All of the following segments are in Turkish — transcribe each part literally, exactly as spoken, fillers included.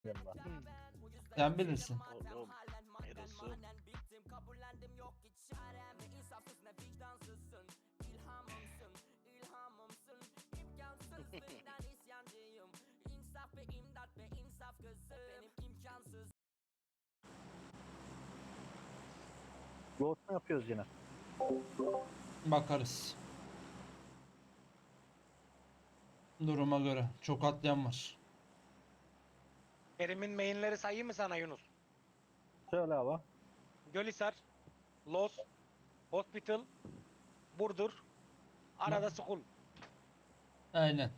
yanına. Sen bilirsin. Oğlum neresi? Load mu yapıyoruz yine? Bakarız. Duruma göre. Çok atlayan var. Kerim'in mainleri sayayım mı sana Yunus? Söyle abi. Gölhisar, Los, Hospital, Burdur, arada Skul. Aynen.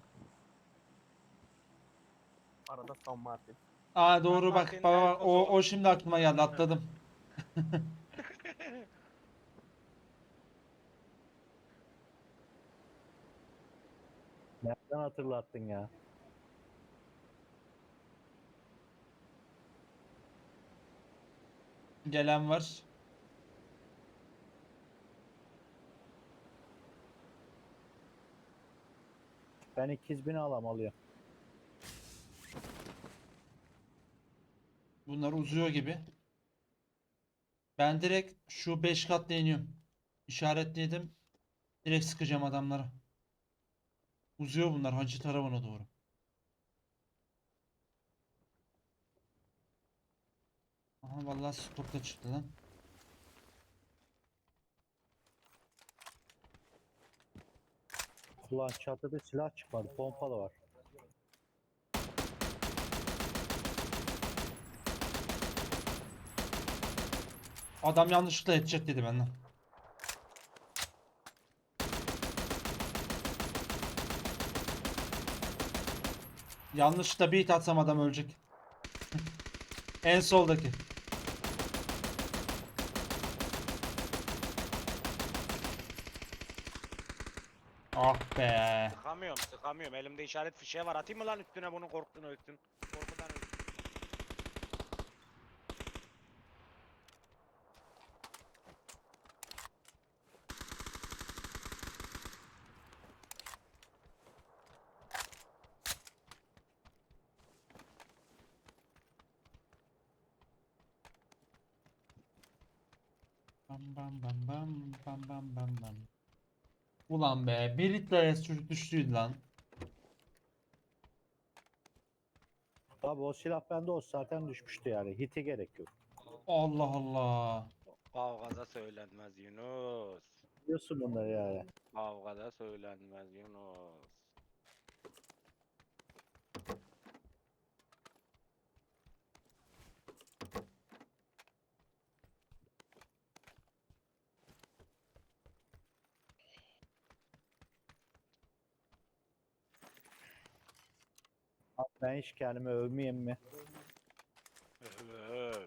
Arada San Martin. Aa San doğru bak. Martin, Baba, o, Elkoso. o şimdi aklıma geldi. Atladım. Nereden hatırlattın ya? Gelen var. Ben ikiz bin alam alıyor. Bunlar uzuyor gibi. Ben direkt şu beş katla iniyorum. İşaretledim. Direkt sıkacağım adamlara. Uzuyor bunlar hacı tarafına doğru. Aha vallahi stopta çıktı lan. Ulan çatıda silah çıkmadı. Pompalı var. Adam yanlışlıkla edecek dedi benden. Yanlışlıkla beat atsam adam ölecek. En soldaki. Ah be. Sıkamıyorum, sıkamıyorum. Elimde işaret fişeği var. Atayım mı lan üstüne bunu korktun ölsün. Korkudan ölsün. Bam bam bam bam bam bam bam bam. Ulan be, bir litre çocuk düştüydü lan. Tabi o silah bende olsa zaten düşmüştü yani. Hite gerek yok. Allah Allah. Kavgada söylenmez Yunus. Biliyorsun bunları yani. Kavgada söylenmez Yunus. Abi ben hiç kendimi övmeyeyim mi? Öf.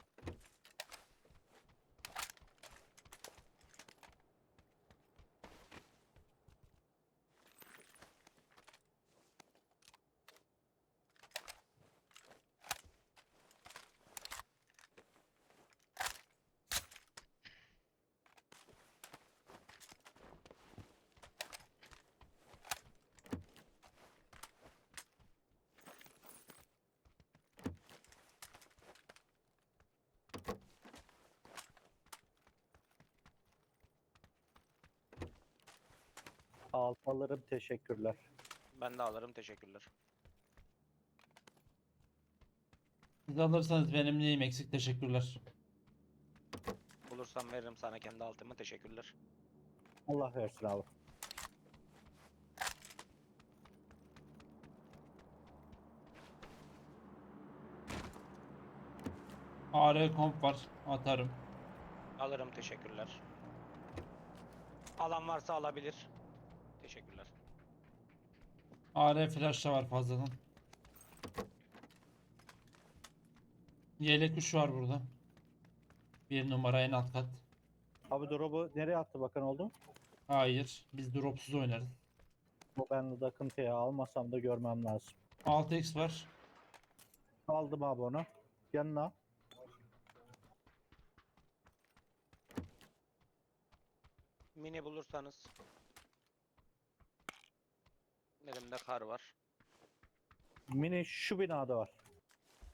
Alt alırım, teşekkürler. Ben de alırım teşekkürler. Siz alırsanız benim neyim eksik, teşekkürler. Bulursam veririm sana kendi altımı teşekkürler. Allah versin abi. A R komp var, atarım. Alırım teşekkürler. Alan varsa alabilir. Teşekkürler. A R flash da var fazladan. Yelek kuş var burada. Bir numara en alt kat. Abi drop'u nereye attı bakan oldu? Hayır, biz dropsuz oynarız. Bu ben de akıntıya almasam da görmem lazım. altı x var. Aldım abi onu. Yanına. Mini bulursanız. Elimde kar var. Mini şu binada var.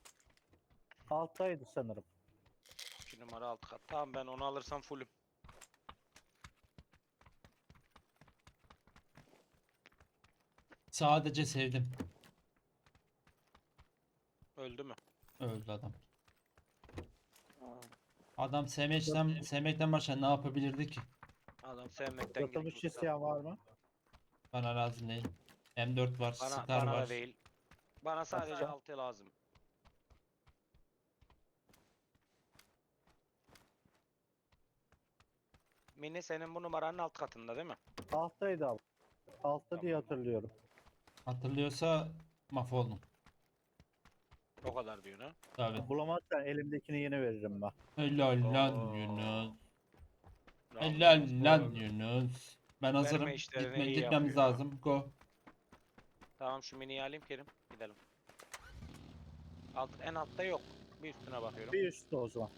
Alttaydı sanırım. iki numara alt kat. Tamam ben onu alırsam fullüm. Sadece sevdim. Öldü mü? Öldü adam. Adam sevmekten, sevmekten başka ne yapabilirdi ki? Adam sevmekten Yatılmış gitmiş. isteyen var mı? Bana lazım değil. M dört var, Bana, Scar bana var. da değil. Bana sadece Başka? altı lazım. Mini senin bu numaranın alt katında değil mi? Alttaydı abi. Altta diye Tamam. hatırlıyorum. Hatırlıyorsa mahvoldum. O kadar diyor ha. Tabii. Bulamazsan elimdekini yine veririm ben. Helal lan Oo. Yunus. Yalnız Helal lan bu- Yunus. Ben hazırım. işlerini Gitme, iyi gitmemiz yapıyor. lazım. Go. Tamam şu miniyi alayım Kerim. Gidelim. Alt, en altta yok. Bir üstüne bakıyorum. Bir üstte o zaman.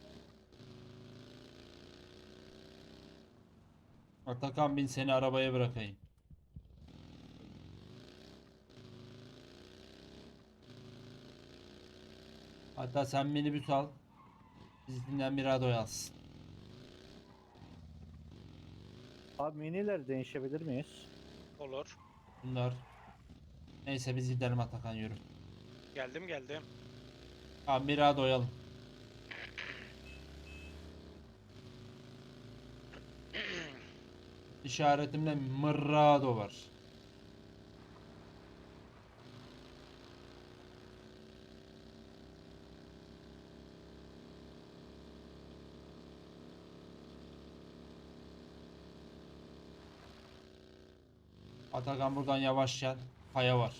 Atakan bin seni arabaya bırakayım. Hatta sen minibüs al. Bizimkinden bir aday alsın. Abi minileri değişebilir miyiz? Olur. Bunlar. Neyse biz gidelim Atakan yürü. Geldim geldim. Abi bir aday doyalım. İşaretimde Mırrado var. Atakan buradan yavaş gel. Kaya var.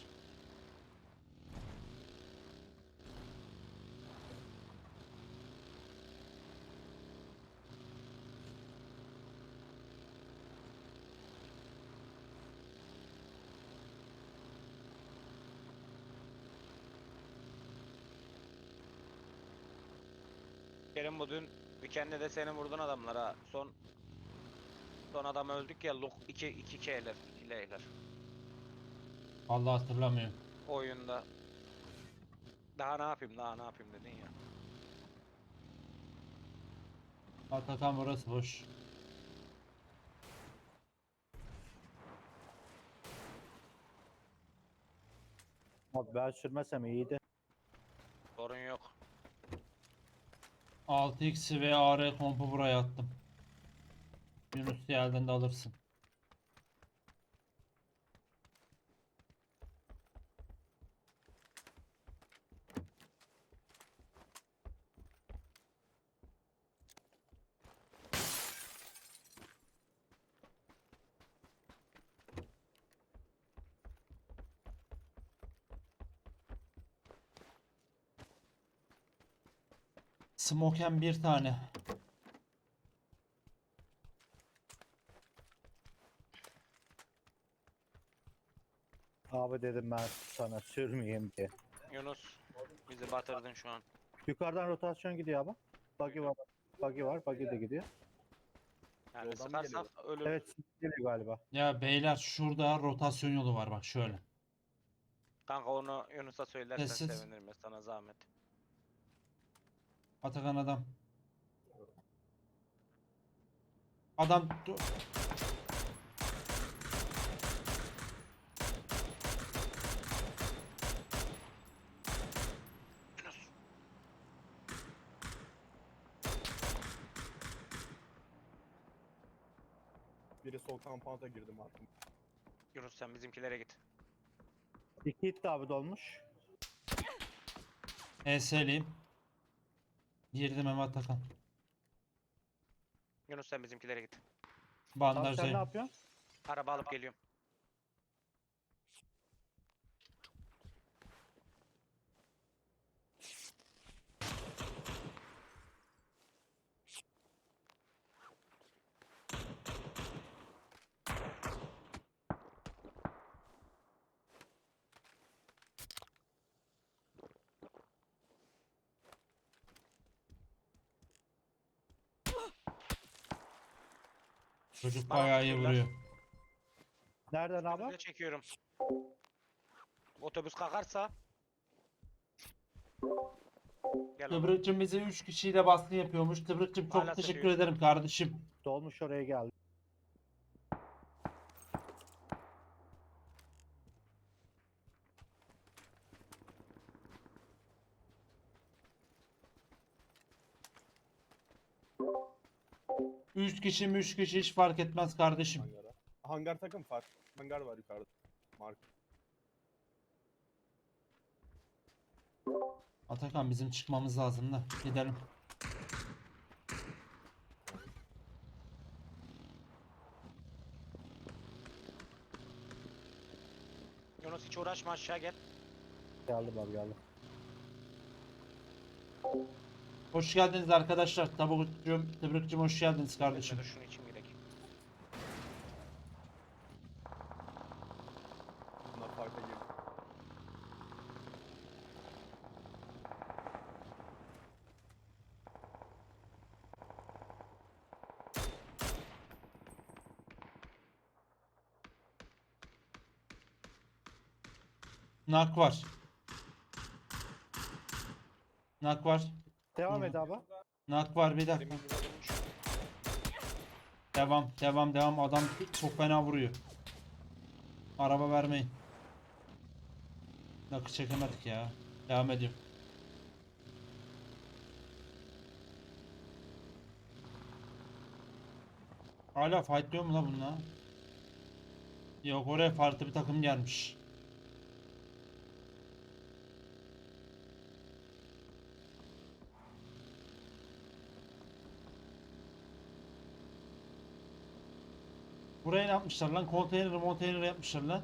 Kerim bu dün weekend'de de seni vurdun adamlara. Son son adam öldük ya. Luk iki iki K'ler. iki L'ler. Vallahi hatırlamıyorum. Oyunda. Daha ne yapayım daha ne yapayım dedin ya. Atakan burası boş. Abi ben sürmesem iyiydi. Sorun yok. altı x ve A R kompu buraya attım. Yunus yerden de alırsın. Smoken bir tane. Abi dedim ben sana sürmeyeyim diye. Yunus bizi batırdın şu an. Yukarıdan rotasyon gidiyor abi. Buggy var. Buggy var. Buggy de gidiyor. Yani Yoldan mı sıkarsak ölür. Evet geliyor galiba. Ya beyler şurada rotasyon yolu var bak şöyle. Kanka onu Yunus'a söylersen Sessiz. sevinirim ya sana zahmet. Atakan adam. Adam dur. Biri sol kampanta girdim artık. Yunus sen bizimkilere git. İki hit de abi dolmuş. E S'liyim. Girdim hemen Atakan. Yunus sen bizimkilere git. Abi sen ne Bandajdayım. yapıyorsun? Araba alıp geliyorum. Çocuk Bana bayağı iyi vurdular. vuruyor. Nereden abi? Önümüze çekiyorum. Otobüs kalkarsa Gel oğlum. Tıbrıkçım bize üç kişiyle baskın yapıyormuş. Tıbrıkçım çok Hala teşekkür satıyor. ederim kardeşim. Dolmuş oraya geldi. üç kişi mi üç kişi hiç fark etmez kardeşim. Hangara. Hangar takım fark. Hangar var yukarıda. Mark. Atakan bizim çıkmamız lazım da. Gidelim. Yunus hiç uğraşma, aşağı gel. Geldim abi geldim. Hoş geldiniz arkadaşlar. Tabukçum, Tıbrıkçım hoş geldiniz kardeşim. Bekle de şunu için gerek. Bunlar farka girdi. Nak var. Nak var. Devam Hı. et abi. Nak var bir dakika. Benim yüzüme vurmuş. Devam, devam, devam. Adam çok fena vuruyor. Araba vermeyin. Nakı çekemedik ya. Devam ediyorum. Hala fightlıyor mu la bunlar? Yok, oraya farklı bir takım gelmiş. Buraya ne yapmışlar lan? Konteyner monteyner yapmışlar lan.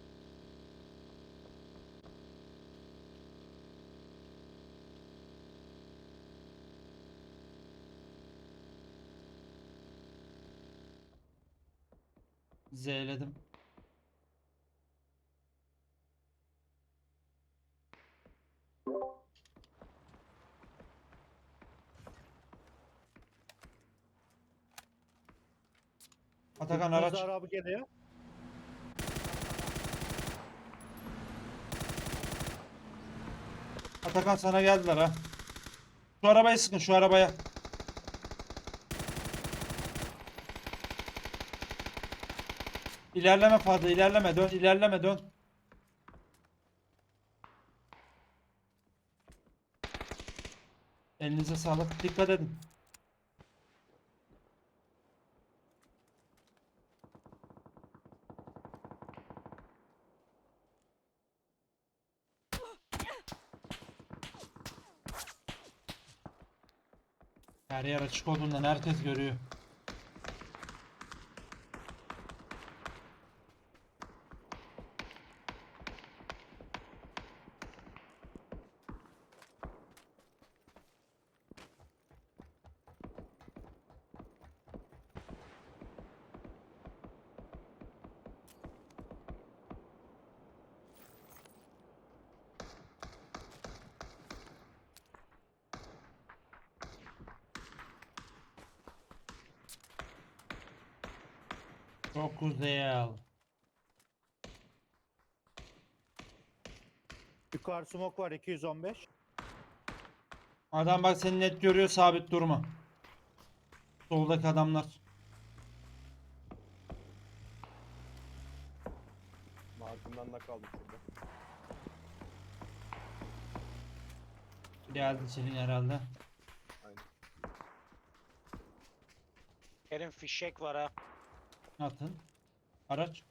Z'ledim. Atakan araç. Rıza abi geliyor. Atakan sana geldiler ha. Şu arabayı sıkın, şu arabaya. İlerleme fazla, ilerleme, dön, ilerleme, dön. Elinize sağlık, dikkat edin. Her yer açık olduğundan herkes görüyor. Çok güzel. Yukarı smoke var iki yüz on beş. Adam bak seni net görüyor, sabit durma. Soldaki adamlar. Markımdan da kaldım şurada. Geldi senin herhalde. Aynen. Kerim fişek var ha. Atın. Araç.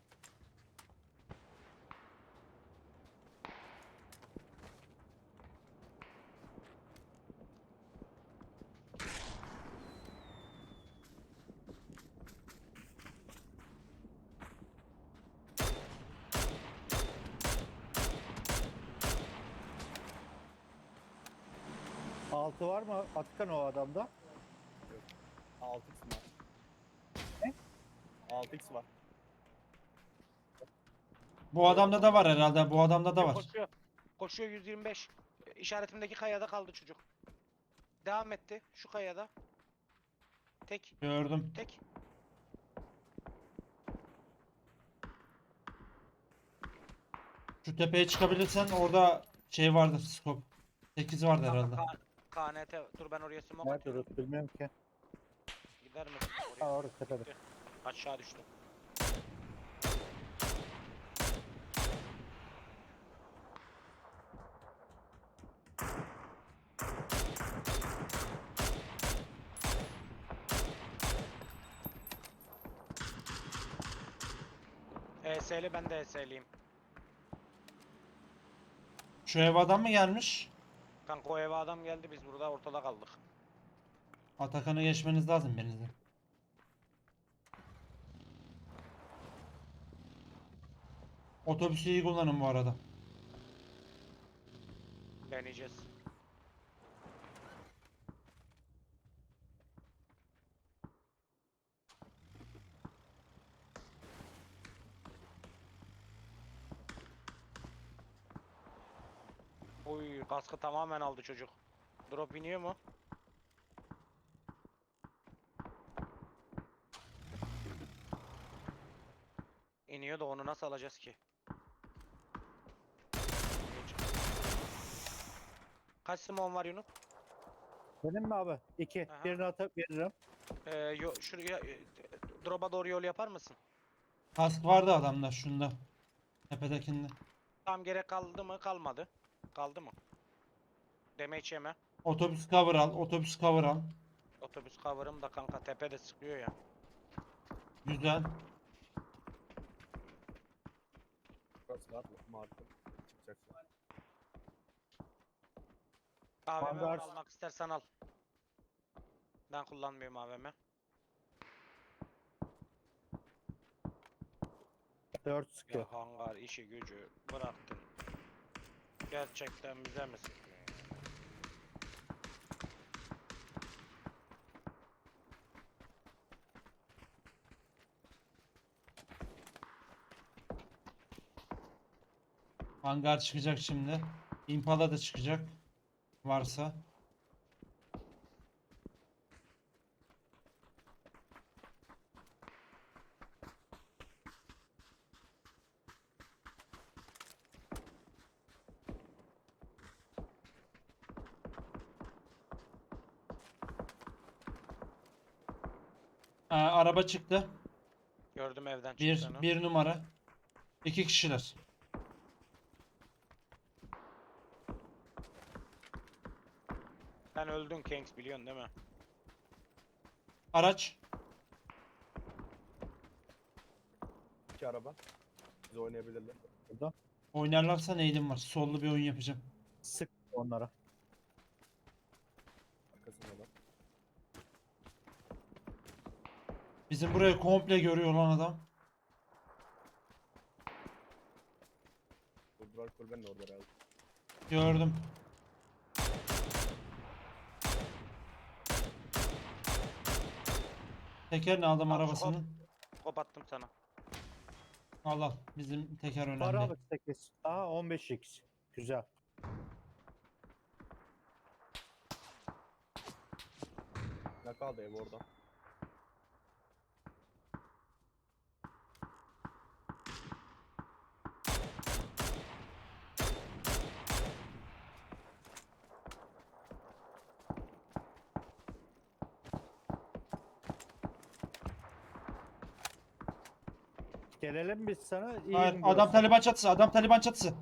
Altı var mı Atakan o adamda? altı x var. Ne? altı x var. Bu adamda da var herhalde. Bu adamda da var. Koşuyor. Koşuyor yüz yirmi beş. İşaretimdeki kayada kaldı çocuk. Devam etti. Şu kayada. Tek. Gördüm. Tek. Şu tepeye çıkabilirsen orada şey vardır, scope. sekiz vardı herhalde. Kar, K N T dur ben oraya smoke Nerede atıyorum. Rut bilmiyorum ki. Gider misin Ha oraya? orada tepede. Gitti. Aşağı düştüm. E S'li ben de E S'liyim. Şu ev adam mı gelmiş? Kanka o eve adam geldi biz burada ortada kaldık. Atakan'a geçmeniz lazım birinizin. Otobüsü iyi kullanın bu arada. Deneyeceğiz. Oy kaskı tamamen aldı çocuk. Drop iniyor mu? İniyor da onu nasıl alacağız ki? Kaç simon var Yunus? Benim mi abi? İki. Aha. Birini atıp veririm. Ee, yo, şuraya e, drop'a doğru yol yapar mısın? Kask vardı adamda şunda. Tepedekinde. Tam gerek kaldı mı? Kalmadı. Kaldı mı? Damage yeme. Otobüs cover al. Otobüs cover al. Otobüs cover'ım da kanka tepede sıkıyor ya. Güzel. Burası var mı? Markım. Çıkacaksın. A V M var, Vanguard. almak istersen al. Ben kullanmıyorum A V M. Dört sıkıyor. Ya hangar işi gücü bıraktın. Gerçekten bize mi sıkıyor? Hangar çıkacak şimdi. Impala da çıkacak. Varsa. Ee, araba çıktı. Gördüm evden Bir, çıktığını. bir numara. İki kişiler. Sen öldün Kings biliyorsun değil mi? Araç. İki araba. Biz oynayabilirler. Burada. Oynarlarsa neydim var. Sollu bir oyun yapacağım. Sık onlara. Arkasında da. Bizim burayı komple görüyor lan adam. Bu duvar kulübenin orada herhalde. Gördüm. Tekerini aldım Al şu arabasının. Kop attım sana. Al al. Bizim teker Var önemli. abi sekiz. Aha on beş x. Güzel. Ne kaldı ev orada? Gelelim biz sana. İyi Hayır, mi adam burası? Taliban çatısı. Adam Taliban çatısı.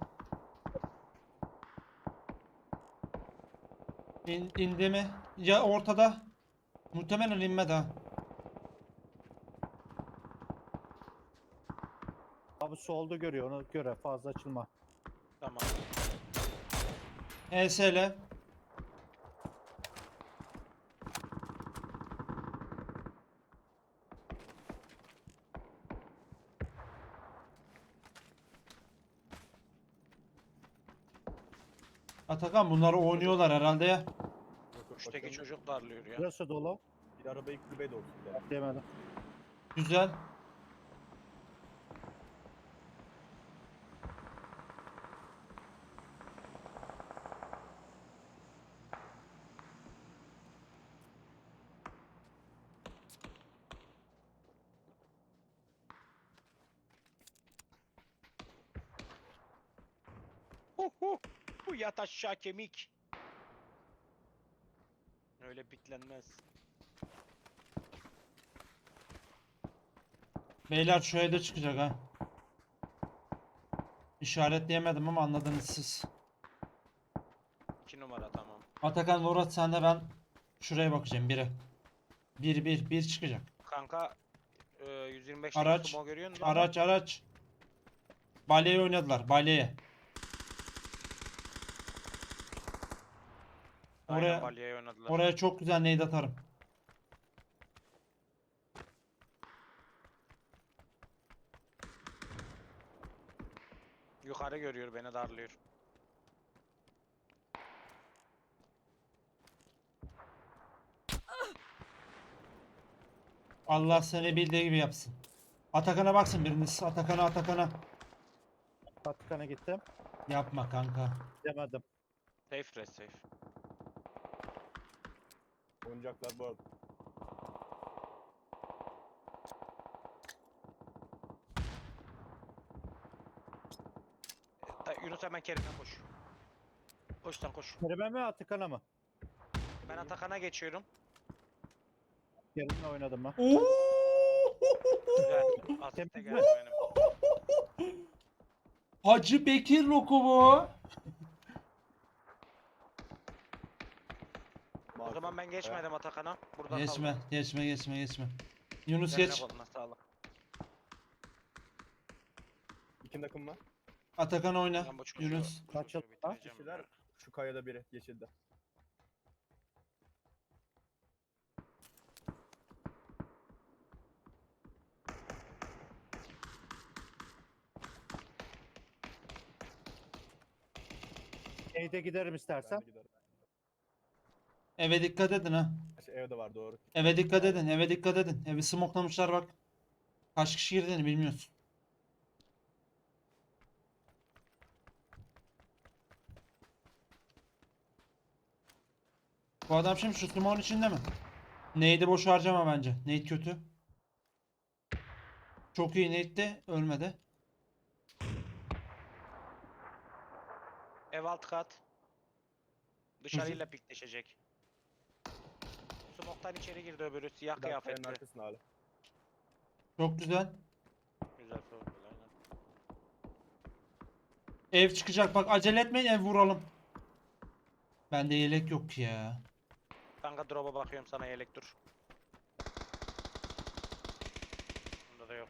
İn, indi mi? Ya ortada. Muhtemelen inmedi ha. Abi solda görüyor ona göre fazla açılma. Tamam. E S L. Atakan bunları oynuyorlar herhalde ya. Yok, yok, Üçteki bakıyorum. çocuk darlıyor ya. Burası dolu. Bir arabayı kulübeye doğru gidelim. Demedim. Güzel. Hu hu. Bu yat aşağı kemik. öyle piklenmez. Beyler şu evde çıkacak ha. İşaretleyemedim ama anladınız siz. iki numara tamam. Atakan, Murat, sen de ben şuraya bakacağım biri. Bir bir bir çıkacak. Kanka e, yüz yirmi beş Araç, sumo görüyor musun? Araç araç. Balyeye oynadılar, balyeye. Aynen, Oraya balyaya oynadılar. oraya çok güzel nade atarım. Yukarı görüyor, beni darlıyor. Allah seni bildiği gibi yapsın. Atakan'a baksın biriniz. Atakan'a, Atakan'a. Atakan'a gittim. Yapma kanka. Demedim. Safe rest safe. Oynayacaklar bu arada. Da, Yunus hemen Kerim'e koş. Koş sen koş. Kerem'e mi Atakan'a mı? Ben Atakan'a geçiyorum. Kerim'le oynadım ben. Oo! Güzel. Asiste Temiz geldi mi? benim. Hacı Bekir lokumu. O zaman ben geçmedim Atakan'a. Burada Geçme, geçme, geçme, geçme. Yunus Eline geç. koluna sağlık. İki takım var. Atakan oyna. Ben bu çocuğu- Yunus. bu Kaç çocuğu yıl- ha? bitireceğim Kişiler ya. şu kayada biri yeşilde. Nade'e giderim Ben istersen. de giderim. Eve dikkat edin ha. Şey, evde var doğru. Eve dikkat edin, eve dikkat edin. Evi smoklamışlar bak. Kaç kişi girdiğini bilmiyorsun. Bu adam şimdi şu smoke'un içinde mi? Nade'i boş harcama bence. Nade kötü. Çok iyi nade'di, ölmedi. Ev alt kat. Dışarıyla pikleşecek. Smoke'tan içeri girdi öbürü, siyah Bir dakika kayanın kıyafetli. arkasında hala. Çok güzel. Güzel soğuk, aynen. Ev çıkacak bak, acele etmeyin, ev vuralım. Bende yelek yok ki ya. Kanka drop'a bakıyorum, sana yelek dur. Bunda da yok.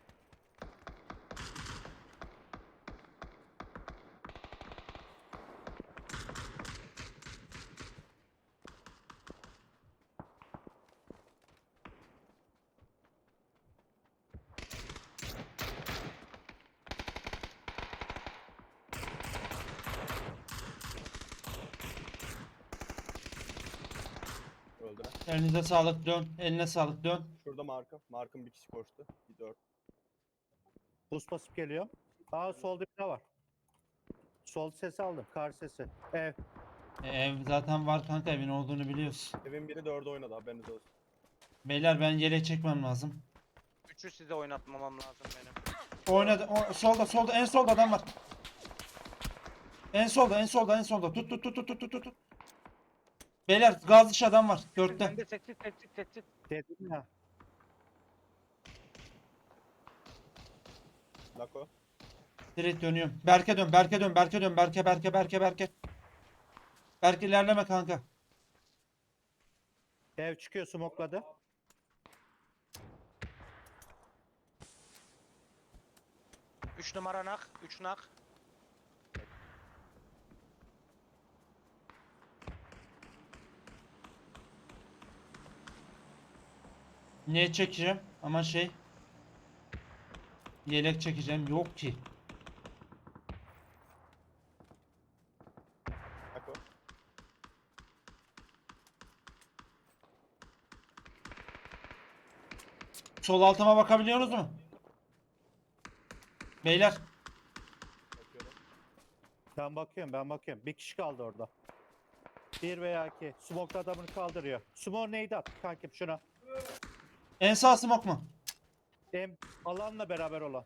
Öldüler. Elinize sağlık, dön. Eline sağlık, dön. Şurada Mark'ım. Mark'ım bir kişi koştu. Bir dört. Buz basıp geliyor. Aa solda bir daha var. Sol sesi aldım. Kar sesi. Ev. E, ev zaten var kanka, evin olduğunu biliyoruz. Evin biri dörde oynadı, haberiniz olsun. Beyler ben yelek çekmem lazım. Üçü size oynatmamam lazım benim. Oynadı. O, solda, solda, en solda adam var. En solda, en solda, en solda. Tut, tut, tut, tut, tut, tut, tut. Beyler gaz dışı adam var. Dörtte. Bende sessiz sessiz sessiz. Dedim ya. Lako. Direkt dönüyorum. Berke dön, Berke dön, Berke dön, Berke, Berke, Berke, Berke. Berke ilerleme kanka. Ev çıkıyor smokladı. Üç numara nak. Üç nak. Ne çekeceğim? Ama şey. Yelek çekeceğim. Yok ki. Lako. Sol altıma bakabiliyorsunuz mu? Beyler. Bakıyorum. Ben bakıyorum ben bakıyorum. Bir kişi kaldı orada. Bir veya iki. Smoke adamını kaldırıyor. Smoke neydi at kankim şuna. En sağ smoke mu? Em alanla beraber olan.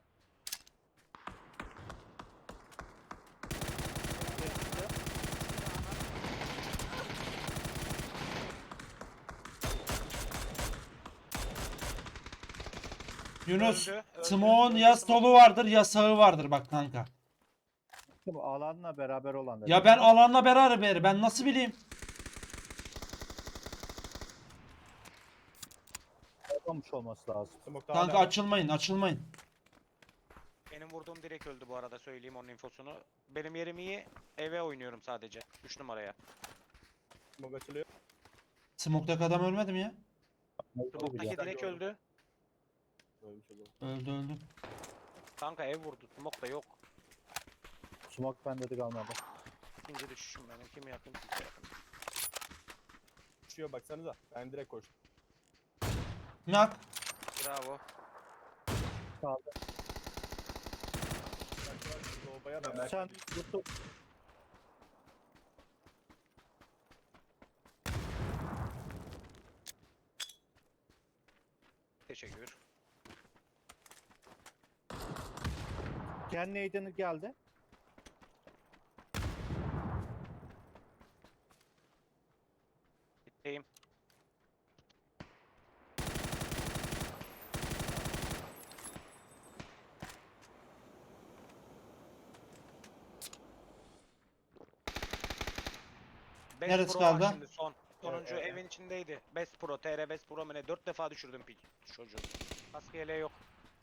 Yunus, Öldü, öldü, Smoke'un öldü, ya smoke. solu vardır ya sağı vardır bak kanka. Bu alanla beraber olan dedim. Ya ben alanla beraber ben nasıl bileyim? Olmamış olması lazım. Smoke'da Kanka hala var. açılmayın, açılmayın. Benim vurduğum direkt öldü bu arada, söyleyeyim onun infosunu. Benim yerim iyi. Eve oynuyorum sadece. üç numaraya. Smoke açılıyor. Smoke'daki adam ölmedi mi ya? Smoke'daki güzel. direkt Gördüm. öldü. Ölmüş olur. Öldü öldü. Kanka ev vurdu. Smoke da yok. Smoke bende de kalmadı. İkinci düşüşüm benim. Kimi yakın kimse yakın. Düşüyor baksanıza. Ben direkt koştum. Nak. Bravo. Kaldı. Sobaya da belki Sen tuttu. Teşekkür. Ken Naden'ı geldi. Bitteyim. Best Neresi Pro var kaldı? Şimdi son. Sonuncu Evet, evet. evin içindeydi. Best Pro, T R Best Pro mu ne? dört defa düşürdüm pik çocuğu. Kaskı yeleği yok.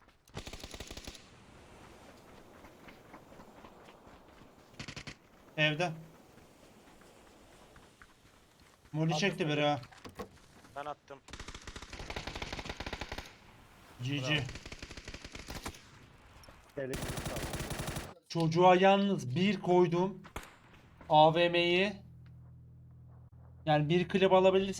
Evde. Molly çekti biri ha. Ben attım. G G. Bravo. Elektrik kaldı. Çocuğa yalnız bir koydum. A V M'yi. Yani bir klip alabilirsin.